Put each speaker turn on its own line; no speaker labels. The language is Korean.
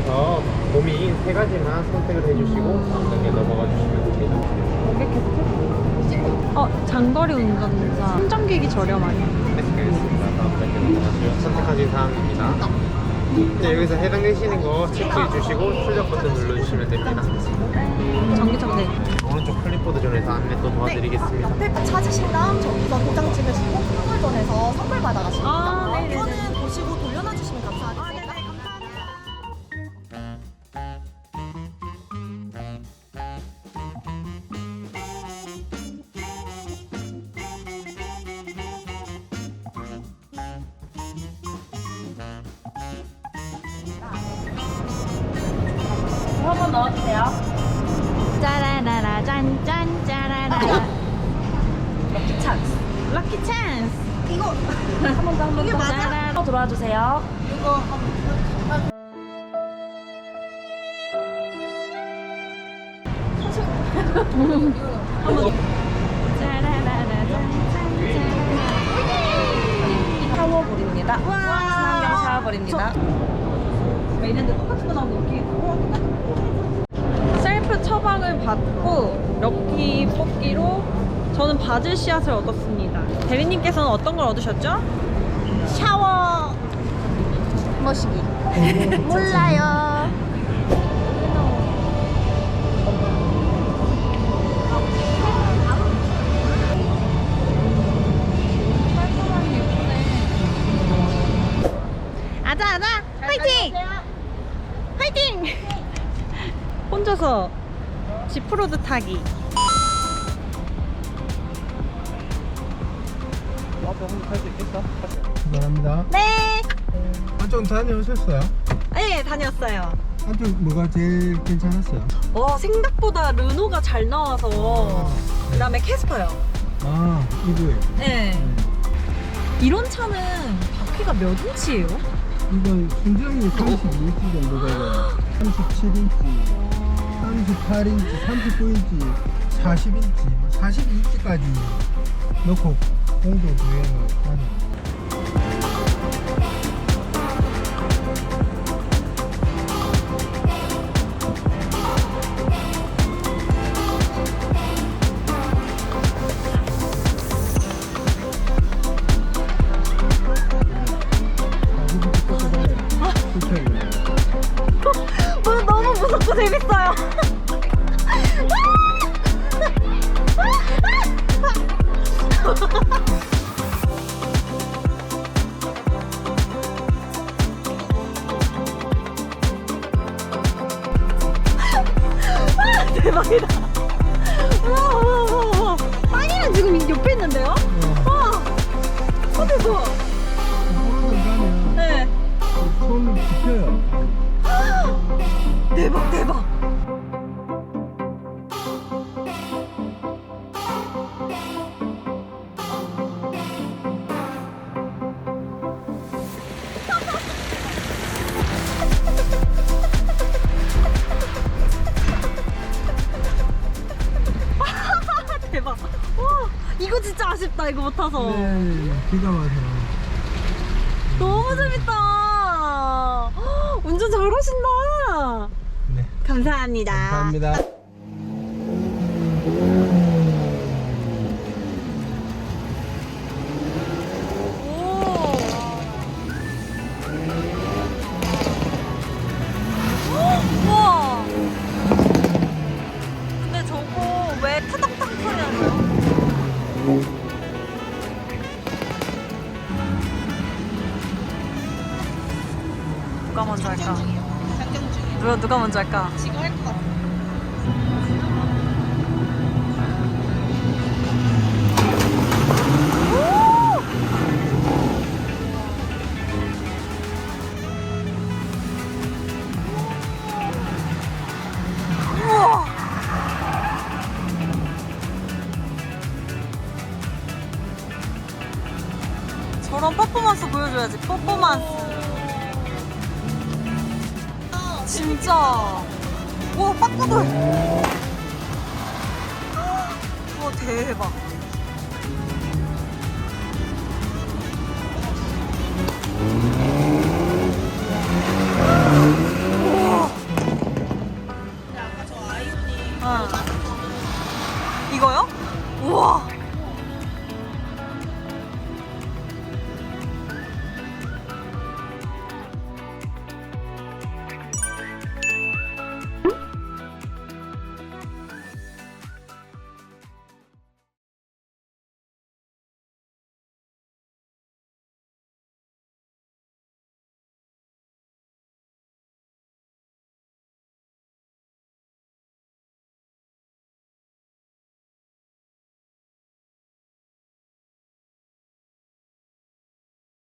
중에서 고민 3가지만 선택을 해주시고 다음 단계 넘어가 주시면 됩니다.
장거리 운전자 충전기기 저렴하게.
네, 알겠습니다. 다음 단계 넘어가주시면 선택하신 사항입니다. 네, 여기서 해당되시는 거 체크해 주시고 출력 버튼 눌러주시면 됩니다.
전기차인데
오른쪽 클립보드 존에서 안내 또 도와드리겠습니다.
옆에 찾으신 다음 저기서 도장 찍으시고 선물존에서 선물 받아가십니다.
아, 네네네.
이거는 보시고 돌려놔주시면 감사하겠습니다.
한번 넣어주세요. 짜라라라 짠짠 짜라라. 럭키 찬스. 럭키 찬스.
이거
한 번 더, 한 번
이게
더.
맞아?
짜라라. 들어와 주세요.
이거
짜라라라 짠짠. 샤워볼입니다. 친환경 샤워볼입니다. 있는데 똑같은 거 나오고 이렇게 셀프 처방을 받고 럭키 뽑기로 저는 바질 씨앗을 얻었습니다. 대리님께서는 어떤 걸 얻으셨죠?
샤워 머시기. 몰라요.
아자 아자 화이팅! 화이팅! 혼자서 지프로드 타기.
감사합니다.
네.
한쪽 다녀오셨어요?
네, 다녔어요.
한쪽 뭐가 제일 괜찮았어요?
생각보다 르노가 잘 나와서 그다음에 캐스퍼요.
아, 이거예요.
네. 이런 차는 바퀴가 몇 인치예요?
이건 순정이 32인치 정도 되고 37인치, 38인치, 39인치, 40인치, 42인치까지 넣고 공도 주행을 하는.
너무 무섭고 재밌어요. 대박이다. 빵이랑 지금 옆에 있는데요? 대박. 네.
손을 짚혀요.
대박 대박. 대박. 와, 이거 진짜 아쉽다. 이거 못 타서.
네, 기가 막혀.
너무 재밌다. 운전 잘하신다.
네,
감사합니다.
감사합니다.
우와. 근데 저거 왜 타닥타닥 소리 나요? 누가 먼저 할까? 누가 먼저 할까?
지금 할 것 같아.
우와. 저런 퍼포먼스 보여줘야지. 퍼포먼스. 진짜. 와, 빠꾸들. 와, 대박.